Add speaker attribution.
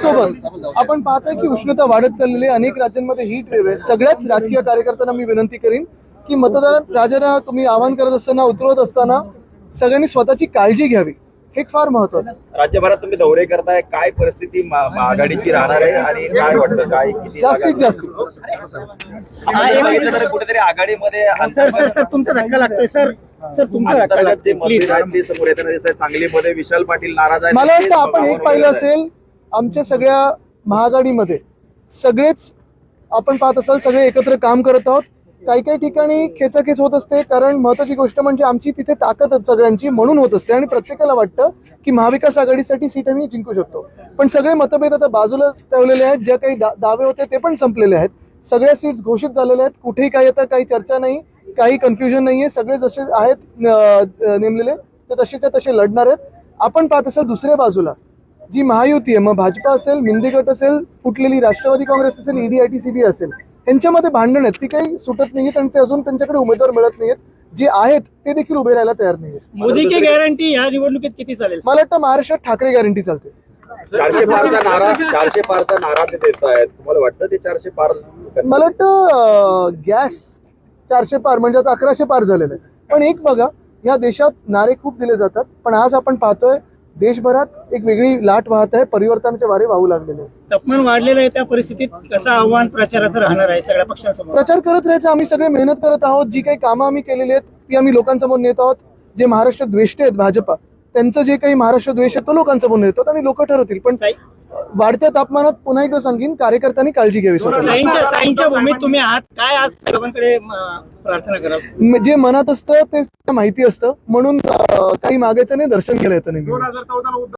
Speaker 1: त्याचसोबत आपण पाहतोय की उष्णता वाढत चाललेली आहे, अनेक राज्यांमध्ये हीट वेव्ह आहे. सगळ्याच राजकीय कार्यकर्त्यांना मी विनंती करीन की राजांना तुम्ही आवाहन करत असताना, उतरवत असताना सगळ्यांनी स्वतःची काळजी घ्यावी, हे फार महत्वाचं.
Speaker 2: राज्यभरात तुम्ही दौरे करताय, काय परिस्थिती आघाडीची राहणार आहे आणि काय वाटतं, काय किती
Speaker 1: जास्तीत जास्त
Speaker 2: कुठेतरी आघाडीमध्ये
Speaker 3: सर तुमचा धक्का लागतोय सर तुमचा धक्का लागतोय प्लीज.
Speaker 2: समोर येताना दिसतंय. सांगलीमध्ये विशाल पाटील नाराज आहेत.
Speaker 1: मला वाटतं आपण एक पाहिलं असेल, आमच्या सगळ्या महाआघाडीमध्ये सगळेच आपण पाहत असाल सगळे एकत्र काम करत आहोत. काही काही ठिकाणी खेचाखेच होत असते, कारण महत्वाची गोष्ट म्हणजे आमची तिथे ताकद सगळ्यांची म्हणून होत असते आणि प्रत्येकाला वाटतं की महाविकास आघाडीसाठी सीट आम्ही जिंकू शकतो. पण सगळे मतभेद आता बाजूला ठेवलेले आहेत. जे काही दावे होते ते पण संपलेले आहेत. सगळ्या सीट्स घोषित झालेल्या आहेत. कुठेही काही आता काही चर्चा नाही, काही कन्फ्युजन नाहीये. सगळे जसे आहेत नेमलेले ते तसेच्या तसे लढणार आहेत. आपण पाहत असाल दुसऱ्या बाजूला जी महायुती आहे, मग भाजपा असेल, मिंदी गट असेल, फुटलेली राष्ट्रवादी काँग्रेस असेल, ईडीआयटीसीबी असेल, यांच्यामध्ये भांडण आहेत. ती काही सुटत नाहीयेत आणि ते अजून त्यांच्याकडे उमेदवार मिळत नाहीयेत. जे आहेत ते देखील उभे राहायला तयार नाहीयेत.
Speaker 3: मोदी की गॅरंटी ह्या निवडणुकीत किती चालेल?
Speaker 1: मला वाटतं महाराष्ट्रात ठाकरे गॅरंटी चालते.
Speaker 2: 400 पारचा नारा ते देत आहेत. तुम्हाला वाटतं ते 400 पार?
Speaker 1: मला वाटतं गॅस 400 पार म्हणजे आता 1100 पार झालेलं आहे. पण एक बघा, या देशात नारे खूप दिले जातात, पण आज आपण पाहतोय देशभरात एक वेगळी लाट वाहत आहे. परिवर्तनाचे वारे वाहू लागलेले आहेत.
Speaker 3: तापमान वाढलेलं आहे, त्या परिस्थितीत कसं आव्हान प्रचाराचं राहणार आहे सगळ्या पक्षांसमोर?
Speaker 1: प्रचार करत राहायचं. आम्ही सगळे मेहनत करत आहोत. जी काही कामं आम्ही केलेली आहेत ती आम्ही लोकांसमोर नेत आहोत. जे महाराष्ट्र द्वेष्टे आहेत भाजपा, त्यांचं जे काही महाराष्ट्र द्वेष आहे तो लोकांसमोर नेत आहोत आणि लोक ठरवतील. पण वाढत्या तापमानात पुन्हा एकदा सांगेन, कार्यकर्त्यांनी काळजी घ्यावी स्वतः.
Speaker 3: साईंच्या भूमीत तुम्ही आहात, काय आज सर्वांकडे प्रार्थना करा?
Speaker 1: जे मनात असतं ते माहिती असतं, म्हणून काही मागायचं नाही, दर्शन केलं येतं नेहमी.